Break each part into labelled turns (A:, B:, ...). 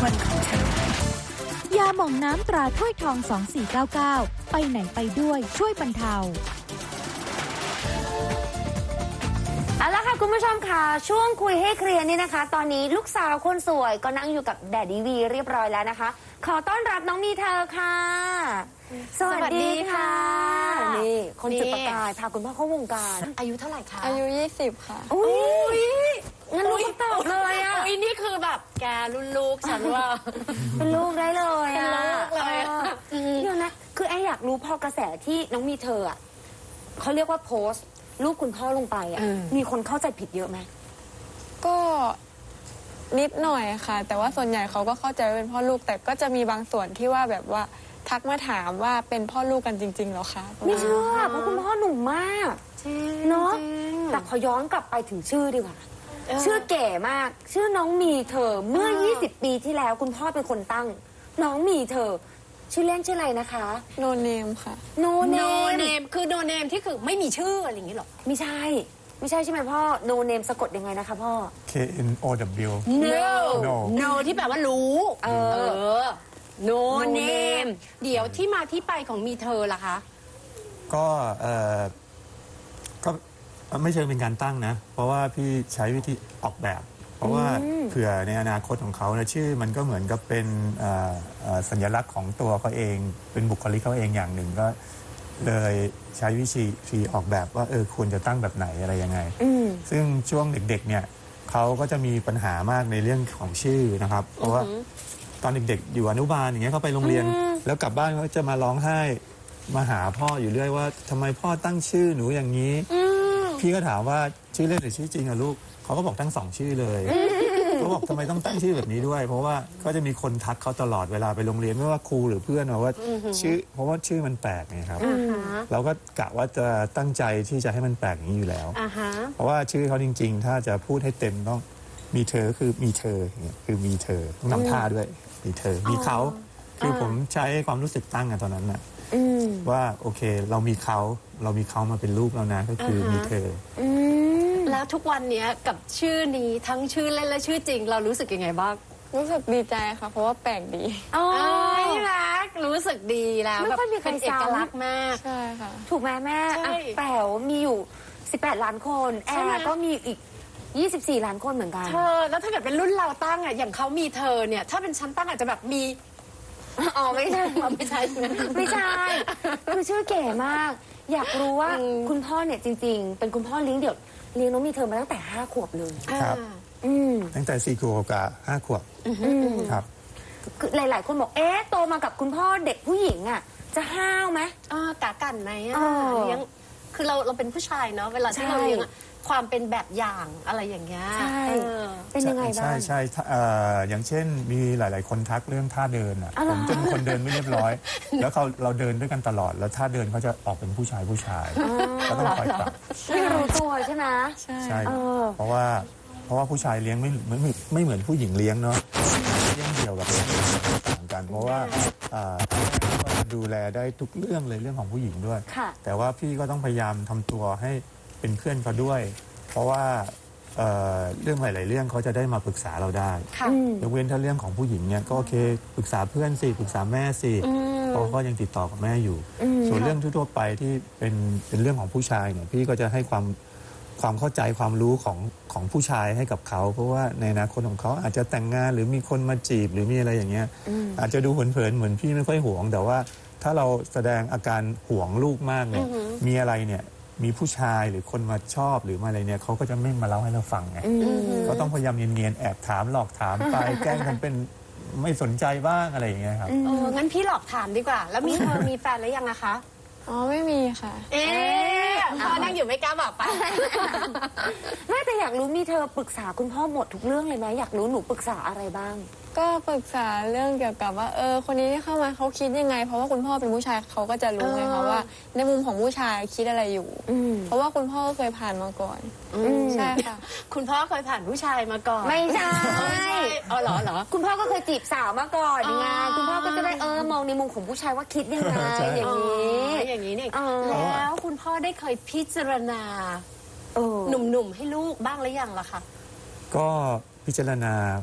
A: วันของฉันยาหม่องน้ำตราถ้วยทอง 2499 ไปไหนไปด้วยช่วยบรรเทา
B: เอาละค่ะคุณผู้ชมค่ะช่วงคุยให้เคลียร์นี่นะคะตอนนี้ลูกสาวคนสวยก็นั่งอยู่กับแดดดี้วีเรียบร้อยแล้วนะคะขอต้อนรับน้องมีเธอค่ะสวัสดีค่ะนี่คนจุดประกายพาคุณพ่อเข้าวงการอายุเท่าไหร่คะ
C: อายุ20ค่ะ
B: อุ้ยงั้นลูกตอบเลยอ่ะ
C: อุ้ยนี่คือแบบแกรุ่นลูกฉันว่า
B: เป็นลูกได้เลยอ่ะ
C: เป็นลูกเลย
B: เดี๋ยวนะคือแออยากรู้พอกระแสที่น้องมีเธออ่ะเขาเรียกว่าโพสต์รูปคุณพ่อลงไปอ่ะมีคนเข้าใจผิดเยอะไหม
C: ก็นิดหน่อยค่ะแต่ว่าส่วนใหญ่เขาก็เข้าใจว่าเป็นพ่อลูกแต่ก็จะมีบางส่วนที่ว่าแบบว่าทักมาถามว่าเป็นพ่อลูกกันจริงๆเหรอคะ
B: ไม่เชื่อเพราะคุณพ่อหนุ่มมากเนาะแต่ขอย้อนกลับไปถึงชื่อดีกว่าชื่อเก๋มากชื่อน้องมีเธอเมื่อ20 ปีที่แล้วคุณพ่อเป็นคนตั้งน้องมีเธอชื่อเล่นชื่ออะไรนะคะ
C: โนเนมค่ะ
B: โนเน
D: มคือโนเนมที่คือไม่มีชื่ออะไรอย่างนี้หรอ
B: ไม่ใช่ใช่ไหมพ่อโนเนมสะกดยังไงนะคะพ่อ
E: KNOW
D: No ที่แปลว่ารู้โนเนมเดี๋ยวที่มาที่ไปของมีเธอล่ะคะ
E: ก็ไม่เชิงเป็นการตั้งนะเพราะว่าพี่ใช้วิธีออกแบบเพราะว่าเผื่อในอนาคตของเขานะชื่อมันก็เหมือนกับเป็นสัญลักษณ์ของตัวเขาเองเป็นบุคลิกเขาเองอย่างหนึ่งก็เลยใช้วิธีออกแบบว่าควรจะตั้งแบบไหนอะไรยังไงซึ่งช่วงเด็กๆเนี่ยเขาก็จะมีปัญหามากในเรื่องของชื่อนะครับเพราะว่าตอนเด็กๆอยู่อนุบาลอย่างเงี้ยเขาไปโรงเรียนแล้วกลับบ้านเขาจะมาร้องไห้มาหาพ่ออยู่เรื่อยว่าทำไมพ่อตั้งชื่อหนูอย่างนี้พี่ก็ถามว่าชื่อเล่นหรือชื่อจริงอะลูกเขาก็บอกตั้ง2ชื่อเลยเขาบอกทำไมต้องตั้งชื่อแบบนี้ด้วยเพราะว่าก็จะมีคนทักเขาตลอดเวลาไปโรงเรียนไม่ว่าครูหรือเพื่อนว่าชื่อเพราะว่าชื่อมันแปลกไงครับเราก็กะว่าจะตั้งใจที่จะให้มันแปลกอย่างนี้อยู่แล้วเพราะว่าชื่อเขาจริงๆถ้าจะพูดให้เต็มต้องมีเธอคือมีเธอคือมีเธอต้องทำท่าด้วยมีเธอมีเขาคือผมใช้ความรู้สึกตั้งกันตอนนั้นน่ะว่าโอเคเรามีเขามาเป็นลูกแล้วนะก็คือมีเธอ
D: แล้วทุกวันนี้กับชื่อนี้ทั้งชื่อเล่นและชื่อจริงเรารู้สึกยังไงบ้าง
C: รู้สึกดีใจค่ะเพราะว่าแปลกดี
D: รักรู้สึกดีแล้วแบบเป็นเอกลักษณ์มาก
C: ใช่ค่ะ
B: ถูกไหมแม่แป๋วมีอยู่18 ล้านคนแอร์ก็มีอีก24 ล้านคนเหมือนกัน
D: แล้วถ้าเกิดเป็นรุ่นเราตั้งอ่ะอย่างเขามีเธอเนี่ยถ้าเป็นชั้นตั้งอาจจะแบบมี
B: ไม่ใช่
D: ไม่ใช่
B: ไม่ใช่คือชื่อเก๋มากอยากรู้ว่าคุณพ่อเนี่ยจริงๆเป็นคุณพ่อเลี้ยงเดี่ยวเลี้ยงน้องมีเธอมาตั้งแต่5 ขวบเลย
E: ครับตั้งแต่4 ขวบกับ5 ขวบครับ
B: หลายๆคนบอกโตมากับคุณพ่อเด็กผู้หญิงอ่ะจะห้าวไหม
D: กะกันไหมเลี้ยงคือเราเป็นผู้ชายเนาะเวลาที่เราเลี้ยงความเป็นแบบอย่างอะไรอย่างเงี้ย
B: ใช่เป็นยังไงบ้าง
E: ใช่อย่างเช่นมีหลายๆคนทักเรื่องท่าเดินอ่ะผมเป็นคนเดินไม่เรียบร้อยแล้วเราเดินด้วยกันตลอดแล้วท่าเดินเขาจะออกเป็นผู้ชายก็ต้องคอยปรับ
B: ไม่รู้ตัวใช่ไหม
E: ใช่เพราะว่าผู้ชายเลี้ยงไม่เหมือนผู้หญิงเลี้ยงเนาะเลี้ยงเดี่ยวกับต่างกันเพราะว่าดูแลได้ทุกเรื่องเลยเรื่องของผู้หญิงด้วยแต่ว่าพี่ก็ต้องพยายามทำตัวให้เป็นเพื่อนเขาด้วยเพราะว่าเรื่องหลายๆเรื่องเขาจะได้มาปรึกษาเราได้ยกเว้นถ้าเรื่องของผู้หญิงเนี่ยก็โอเคปรึกษาเพื่อนสิปรึกษาแม่สิเพราะก็ยังติดต่อกับแม่อยู่ส่วนเรื่องทั่วไปที่เป็นเรื่องของผู้ชายเนี่ยพี่ก็จะให้ความเข้าใจความรู้ของผู้ชายให้กับเขาเพราะว่าในอนาคตของเขาอาจจะแต่งงานหรือมีคนมาจีบหรือมีอะไรอย่างเงี้ยอาจจะดูเผินๆเหมือนพี่ไม่ค่อยห่วงแต่ว่าถ้าเราแสดงอาการห่วงลูกมากเนี่ยมีอะไรเนี่ยมีผู้ชายหรือคนมาชอบหรือมาอะไรเนี่ยเขาก็จะไม่มาเล่าให้เราฟังไงก็ต้องพยายามเนียนๆแอบถามหลอกถามไปแกล้งทำเป็นไม่สนใจบ้างอะไรอย่างเงี้ยครับ
D: งั้นพี่หลอกถามดีกว่าแล้วมีแฟนแล้วยังอะคะ
C: ไม่มีค่ะ
D: พ่อนั่งอยู่ไม่กล้าบอกไป
B: ไม่แต่อยากรู้มีเธอปรึกษาคุณพ่อหมดทุกเรื่องเลยไหมอยากรู้หนูปรึกษาอะไรบ้าง
C: ก็ปรึกษาเรื่องเกี่ยวกับว่าคนนี้ที่เข้ามาเขาคิดยังไงเพราะว่าคุณพ่อเป็นผู้ชายเขาก็จะรู้ไงคะว่าในมุมของผู้ชายคิดอะไรอยู่เพราะว่าคุณพ่อเคยผ่านมาก่อนใช่ค่ะ
D: คุณพ่อเคยผ่านผู้ชายมาก่อน
B: ไม่ใช่
D: เหรอ
B: คุณพ่อก็เคยจีบสาวมาก่อนไงคุณพ่อก็จะได้มองในมุมของผู้ชายว่าคิดยังไง
D: อย่างนี้เนี่ยแล้วคุณพ่อได้เคยพิจารณาหนุ่มๆให้ลูกบ้างหรือยังล่ะคะ
E: ก็พิจารณา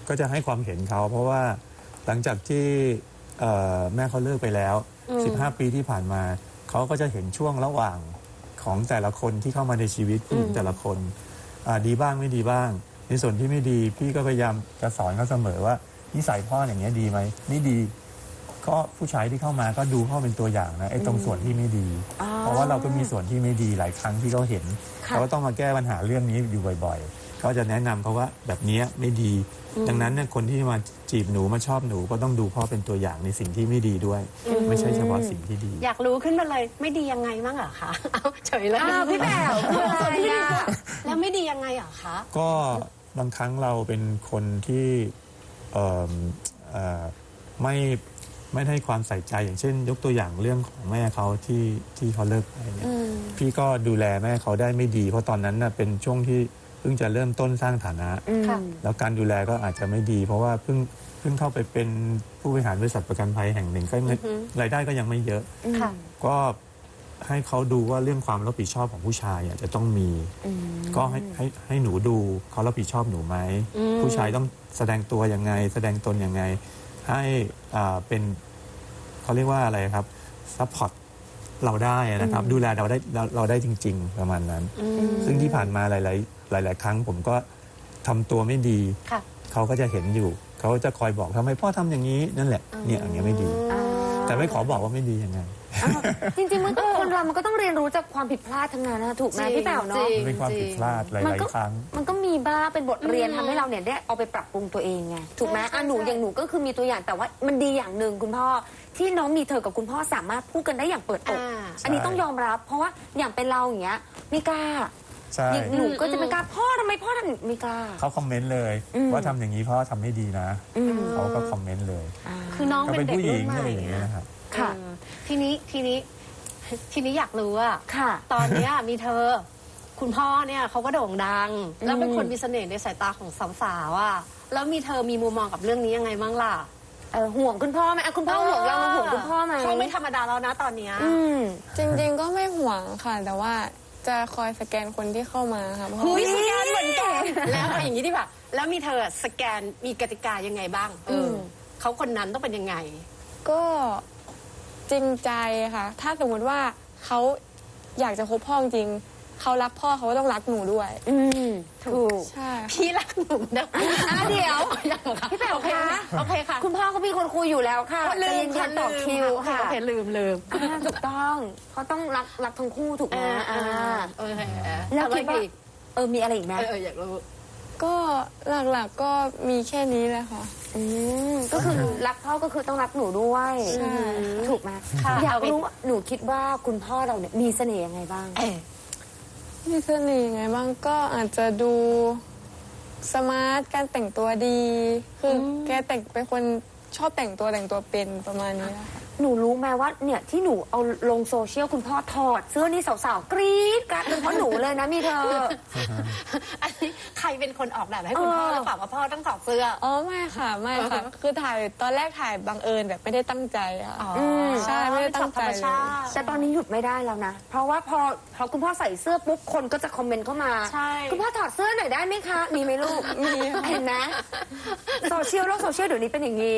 E: ก็จะให้ความเห็นเขาเพราะว่าหลังจากที่แม่เขาเลิกไปแล้ว 15 ปีที่ผ่านมาเขาก็จะเห็นช่วงระหว่างของแต่ละคนที่เข้ามาในชีวิตผู้หญิงแต่ละคนดีบ้างไม่ดีบ้าง ในส่วนที่ไม่ดีพี่ก็พยายามจะสอนเขาเสมอว่านิสัยพ่ออย่างเงี้ยดีไหมไม่ดีก็ผู้ชายที่เข้ามาก็ดูพ่อเป็นตัวอย่างนะไอ้ตรงส่วนที่ไม่ดี เพราะว่าเราก็มีส่วนที่ไม่ดีหลายครั้งที่เขาเห็นเขาก็ต้องมาแก้ปัญหาเรื่องนี้อยู่บ่อยๆเขาจะแนะนำเขาว่าแบบนี้ไม่ดี ดังนั้นเนี่ยคนที่มาจีบหนูมาชอบหนูก็ต้องดูพ่อเป็นตัวอย่างในสิ่งที่ไม่ดีด้วย ไม่ใช่เฉพาะสิ่งที่ดี
D: อยากรู้ขึ้นมาเลยไม่ดียังไงมั่งเหรอคะเอาเฉยเลย
B: พี่แป๋วคืออะไรอะ
D: แล้วไม่ดียังไงเหรอคะ
E: ก็บางครั้งเราเป็นคนที่เอ่อเอ่อไม่ให้ความใส่ใจอย่างเช่น ยกตัวอย่างเรื่องของแม่เขาที่เขาเลิกไปเนี่ยพี่ก็ดูแลแม่เขาได้ไม่ดี เพราะตอนนั้นน่ะเป็นช่วงที่เพิ่งจะเริ่มต้นสร้างฐานะ
D: ค่ะ
E: แล้วการดูแลก็อาจจะไม่ดี เพราะว่าเพิ่งเข้าไปเป็นผู้บริหารบริษัทประกันภัยแห่งหนึ่งก็รายได้ก็ยังไม่เยอะ
D: ค่ะ
E: ก็ให้เขาดูว่าเรื่องความรับผิดชอบของผู้ชายอ่ะจะต้องมี ก็ให้หนูดูเขารับผิดชอบหนูไหมผู้ชายต้องแสดงตัวยังไง แสดงตนยังไง ให้เป็นเขาเรียกว่าอะไรครับซัพพอร์ตเราได้นะครับ ดูแลเราได้จริง ๆ ประมาณนั้น ซึ่งที่ผ่านมาหลาย ๆ ครั้งผมก็ทำตัวไม่ดี
D: ค่ะ
E: เขาก็จะเห็นอยู่ เขาจะคอยบอกทำไมพ่อทำอย่างนี้นั่นแหละเนี่ยอย่างเงี้ยไม่ดี แต่ไม่ขอบอกว่าไม่ดียังไง
B: จริงๆมันก็คนเรามันก็ต้องเรียนรู้จากความผิดพลาดทั้งนั้นนะถูกไหมพี่แป๋วเนาะ
E: มันเป็นความผิดพลาดหลาย ๆ ครั้ง
B: มันก็มีบ้างเป็นบทเรียนทำให้เราเนี่ยได้เอาไปปรับปรุงตัวเองไงถูกไหมหนูอย่างหนูก็คือมีตัวอย่างแต่ว่ามันดีอย่างหนึ่งคุณพ่อที่น้องมีเธอกับคุณพ่อสามารถพูดกันได้อย่างเปิดอกอันนี้ต้องยอมรับ เพราะว่าอย่างเป็นเราอย่างเงี้ยไม่กล้า
E: ใช่
B: อย่างหนูก็จะไม่กล้าพ่อทำไมพ่อทำไม่กล้า
E: เขาคอมเมนต์เลยว่าทำอย่างนี้พ่อทำไม่ดีนะเขาก็คอมเมนต์เลย
D: คือน้อง
E: เขา
D: เป็
E: เป็น น
D: เด็ก
E: ผู้ห
D: รุ่
E: ญิ
D: น
E: ง
D: ใหม่
E: อะไรอย่างเงี้ยนะครับ
B: ค่ะ
D: ทีนี้อยากรู้ว่า
B: ค่ะ
D: ตอนเนี้ยมีเธอ คุณพ่อเนี่ยเขาก็โด่งดัง แล้วเป็นคนมีเสน่ห์ในสายตาของสาวๆอ่ะแล้วมีเธอมีมุมมองกับเรื่องนี้ยังไงบ้างล่ะ
B: ห่วงคุณพ่อไหมคุณพ่อห่วงเราห่วงคุณพ่อไหม
D: เขาไม่ธรรมดาแล้วนะตอนเนี้ย
C: จริงๆก็ไม่ห่วงค่ะ แต่ว่าจะคอยสแกนคนที่เข้ามาค่ะเพราะ
D: เฮ้
C: ว่าย
D: สแกนเหมือนกันแล้วเอาอย่างนี้ดีกว่าแล้วมีเธอสแกนมีกติกายังไงบ้างเขาคนนั้นต้องเป็นยังไง
C: ก็จริงใจค่ะ ถ้าสมมติว่าเขาอยากจะคบพ่อจริงเขารักพ่อเขาก็ต้องรักหนูด้วย
B: ถูก
C: ใช่
D: พี่รักหนูนะ
B: เดี๋ยว
D: ยังเหรอคะ
B: พี่แป๋วคะ
D: โอเคค่ะ
B: คุณพ่อเขามีคนคุยอยู่แล้วค่ะ
D: ลื
B: ใจ
D: ม
B: เย็นๆต่อคิวค่ะ
D: โอเคลืม
B: ถูกต้องเขาต้องรักทั้งคู่ถูกไหม
D: โอเค
B: แล้วคิดว่า
D: อีก
B: มีอะไรอีกไหม
D: อยากรู้
C: ก็หลักๆก็มีแค่นี้แหละค่ะ
B: ก็คือรักพ่อก็คือต้องรักหนูด้วย
C: ใช่
B: ถูกไหมอยากรู้ว่าหนูคิดว่าคุณพ่อเราเนี่ยมีเสน่ห์ยังไงบ้าง
C: มีเสน่ห์ไงบ้างก็อาจจะดูสมาร์ทการแต่งตัวดี คือแกเป็นคนชอบแต่งตัวเป็นประมาณนี้ค่ะ
B: หนูรู้ไหมว่าเนี่ยที่หนูเอาลงโซเชียลคุณพ่อถอดเสื้อนี่สาวๆกรี๊ดกันเป็นเพราะหนูเลยนะมีเธอ
D: อันนี้ใครเป็นคนออกแบบให้คุณพ่อหรือเปล่าว่าพ่อต้องถอดเสื้อ
C: อ๋อไม่ค่ะไม่ค่ะ คือตอนแรกถ่ายบังเอิญแบบไม่ได้ตั้งใจค่ะ ใช่ไม่ได้ตั้งใจเลย
B: แต่ตอนนี้หยุดไม่ได้แล้วนะ เพราะว่าพอคุณพ่อใส่เสื้อปุ๊บคนก็จะคอมเมนต์เข้ามา
D: ใช่
B: คุณพ่อถอดเสื้อหน่อยได้ไหมคะ มีไหมลูก มีเห็นไหมโซเชียลโลกโซเชียลเดี๋ยวนี้เป็นอย่างนี้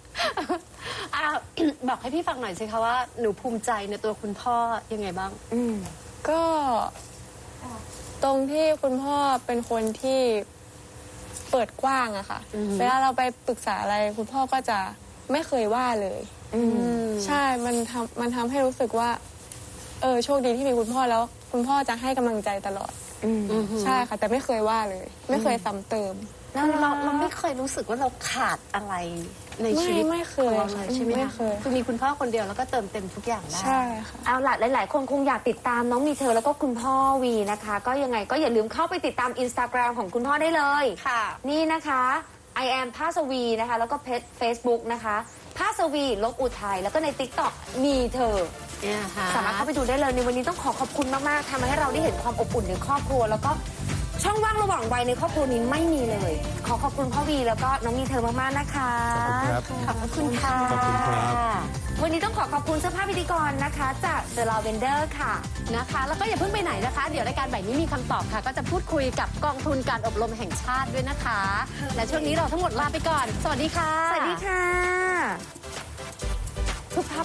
D: บอกให้พี่ฟังหน่อยสิคะว่าหนูภูมิใจในตัวคุณพ่อยังไงบ้าง
C: ก็ตรงที่คุณพ่อเป็นคนที่เปิดกว้างอะค่ะ เวลาเราไปปรึกษาอะไรคุณพ่อก็จะไม่เคยว่าเลยใช่มันทำให้รู้สึกว่าโชคดีที่มีคุณพ่อแล้ว คุณพ่อจะให้กำลังใจตลอดใช่ค่ะ แต่ไม่เคยว่าเลย ไม่เคยซ้ำเติม
D: เราไม่เคยรู้สึกว่าเราขาดอะไรในชีวิต
C: ไม่เคย
D: ของเราเลยใช่ไหม
C: ไม่
D: คะ
C: เคย
D: คือมีคุณพ่อคนเดียวแล้วก็เติมเต็มทุกอย่างได้
C: ใช่ค่ะ
B: เอาล่ะหลาย ๆ คนคงอยากติดตามน้องมีเธอแล้วก็คุณพ่อวีนะคะ ก็ยังไงก็อย่าลืมเข้าไปติดตาม Instagram ของคุณพ่อได้เลย
D: ค่ะ
B: นี่นะคะ I am ภาสวีนะคะ แล้วก็เพจ Facebook นะคะภาสวีลบอุทัยแล้วก็ใน TikTok มีเธอ สามารถเข้าไปดูได้เลยในวันนี้ต้องขอบคุณมาก ๆทำให้เราได้เห็นความอบอุ่นในครอบครัว แล้วก็ช่องว่างระหว่างวัยในครอบครัวนี้ไม่มีเลย ขอขอบคุณพ่อวีแล้วก็น้องมีเธอมากๆนะคะ
E: ขอบคุณครับ
B: ขอบคุณค่ะ
E: ขอบคุณครับ
B: วันนี้ต้องขอบคุณเสื้อผ้าพิธีกรนะคะจาก The Lavender ค่ะ
D: นะคะ แล้วก็อย่าเพิ่งไปไหนนะคะ เดี๋ยวรายการแบบนี้มีคำตอบค่ะ ก็จะพูดคุยกับกองทุนการอบรมแห่งชาติด้วยนะคะ และช่วงนี้เราทั้งหมดลาไปก่อน สวัสดีค่ะ
B: สวัสดีค่ะ